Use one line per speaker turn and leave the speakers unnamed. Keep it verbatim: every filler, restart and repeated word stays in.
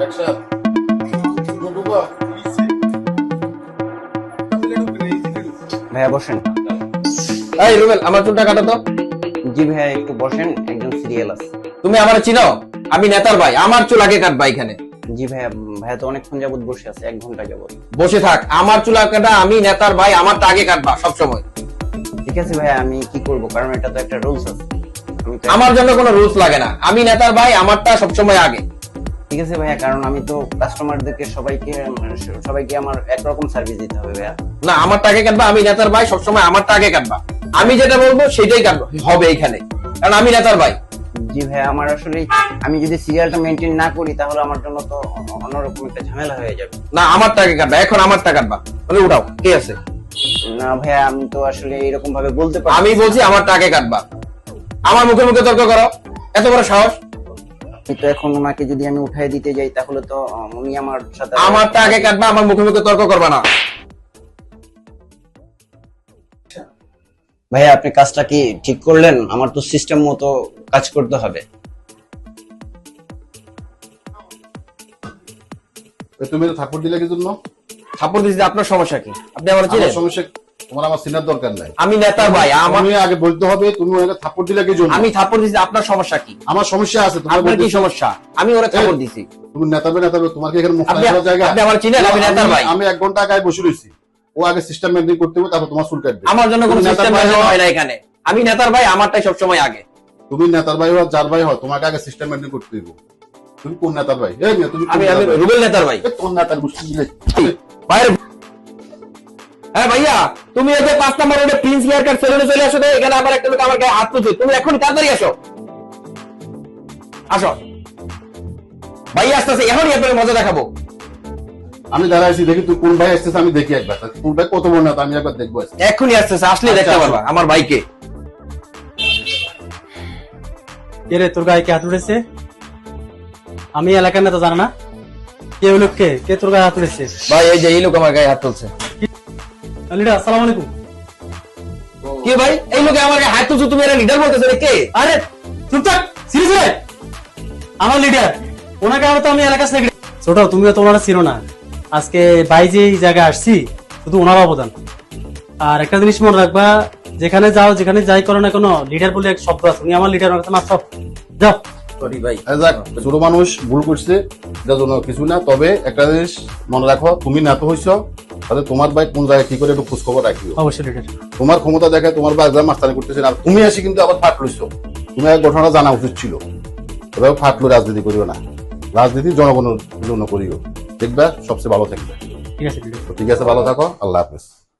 ভাইয়া বসেন।
এই রুবেল, আমার চুলটা কাটো তো।
জি ভাইয়া একটু বসেন, একজন সিরিয়াল আছে।
তুমি আমার চিনো? আমি নেতার ভাই, আমার চুল আগে কাটবা এখানে।
জি ভাইয়া, ভাইয়া তো অনেকক্ষণ যাবত বসে আছে, এক ঘন্টা যাবত।
বসে থাক, আমার চুল কাটা, আমি নেতার ভাই, আমারটা আগে কাটবা সবসময়।
ঠিক আছে ভাইয়া, আমি কি করব, কারণ এটা তো একটা রুলস আছে। আমি তো-
আমার জন্য কোনো রুলস লাগে না, আমি নেতার ভাই, আমারটা সবসময় আগে।
ঠিক আছে ভাইয়া, কারণ আমি তো কাস্টমারদেরকে সবাইকে সবাইকে আমার একরকম সার্ভিস দিতে হবে ভাইয়া।
না, আমারটা আগে কাটবা, আমি নেতার ভাই, সবসময় আমারটা আগে কাটবা। আমি যেটা বলবো সেটাই কাটবো হবে এখানে, কারণ আমি নেতার ভাই।
জি ভাইয়া, আমার আসলে আমি যদি সিরিয়ালটা মেনটেন না করি তাহলে আমার জন্য তো অন্যরকম একটা ঝামেলা হয়ে যাবে।
না, আমারটা আগে কাটবা, এখন আমারটা কাটবা। তাহলে উঠাও, কে আছে?
না ভাইয়া, আমি তো আসলে এরকম ভাবে বলতে পারি।
আমি বলছি আমারটা আগে কাটবা। আমার মুখে মুখে তর্ক করো, এত বড় সাহস?
তো এখন ওনাকে যদি আমি উঠাই দিতে যাই তাহলে তো উনি আমার সাথে
আমারটা আগে কাটবা, আমার মুখে মুখে তর্ক করবা না।
ভাইয়া আপনি কাজটা কি ঠিক করলেন? আমার তো সিস্টেম মতো কাজ করতে হবে।
তুমি তো থাপ্পড় দিলে কি জন্য?
থাপ্পড় দিয়েছি, আপনার সমস্যা কি? আপনি আমার চিনেন?
আমার সমস্যা, তোমার আমার চিনার দরকার নাই।
আমি নেতার ভাই, আমার
তুমি আগে বলতে হবে তুমি ওকে থাপ্পড় দিলে কি জন্য।
আমি থাপ্পড় দিয়েছি, আপনার সমস্যা কি?
আমার সমস্যা আছে, তোমার
আপনার কি
বলতে-
সমস্যা? আমি ওরা থাপ্পড় দিয়েছি।
তুমি নেতাবে নেতাবে, তোমার কি এখানে মুখ
আপনি-
করার জায়গা?
আপনি আমার চিনেন? আমি নেতার ভাই।
আমি এক ঘন্টা আগে বসে রয়েছি, ও আগে সিস্টেম মেনটেন করতে হবে, তারপর তোমার চুল কাটবে।
আমার জন্য কোনো
তুমি নেতার
সিস্টেম
ভাই হও,
হয় না এখানে। আমি নেতার ভাই, আমারটাই সবসময় আগে।
তুমি নেতার ভাই হও, যার ভাই হও, তোমাকে আগে সিস্টেম মেনটেন করতে হবে। তুমি কোন নেতার ভাই? এই মেয়ে, তুমি কোন
আমি আমি
নেতার ভাই?
রুবেল নেতার ভাই।
এ, কোন নেতার গোষ্ঠী দিলে?
বাইরে। হ্যাঁ ভাইয়া, তুমি এই যে পাঁচ নম্বর রোডে প্রিন্স হেয়ার কাট সেলুনে চলে আসো তো, এখানে আমার একটা লোক আমার গায়ে হাত তুলছে। তুমি এখন তাড়াতাড়ি আসো, আসো ভাইয়া, আসতেছে এখনই আপনাকে মজা দেখাবো।
আমি দাঁড়াইছি, দেখি তুই কোন ভাই আসতেছে, আমি দেখি একবার কোন ভাই কত বড় নেতা, আমি একবার দেখবো।
এখনই আসতেছে, আসলে
আচ্ছা,
দেখতে
আসো।
পারবা আমার ভাইকে।
কে রে, তোর গায়ে কে হাত উঠেছে? আমি এলাকার নেতা জানা না? কে হলো কে? কে তোর গায়ে হাত উঠেছে?
ভাই এই যে এই লোক আমার গায়ে হাত তুলছে।
লিডার, আসসালামু আলাইকুম।
কে ভাই? এই লোকে আমার গায়ে হাত তুলছে, তুমি এরা লিডার বলতেছো রে? কে?
আরে চুপ থাক, সিরিয়াস রে। আমার লিডার, ওনাকে আমি তো আমি এলাকার সেক্রেটারি। ছোট, তুমিও তো ওনারা চিনো না। আজকে ভাই যে এই জায়গায় আসছি, শুধু ওনার অবদান। আর একটা জিনিস মনে রাখবা, যেখানে যাও যেখানে যাই করো না কোনো, লিডার বলে এক শব্দ আছে। তুমি আমার লিডার, ওনার কাছে মাত্র যাও।
সরি ভাই।
এই যাক, ছোট মানুষ ভুল করছে, এটার জন্য কিছু না। তবে একটা জিনিস মনে রাখো, তুমি নেতা হইছ, তাহলে তোমার ভাই কোন জায়গায় কি করে একটু খোঁজ খবর রাখিও।
অবশ্যই লিডার।
তোমার ক্ষমতা দেখে তোমার ভাই একদম মাস্তানি করতেছে, আর তুমি আসি কিন্তু আবার ফাট লইছো। তুমি এক ঘটনাটা জানা উচিত ছিল। এভাবে ফাটলো রাজনীতি করিও না, রাজনীতি জনগণের জন্য করিও, দেখবে সবচেয়ে ভালো থাকবে।
ঠিক আছে লিডার।
তো ঠিক আছে, ভালো থাকো, আল্লাহ হাফেজ।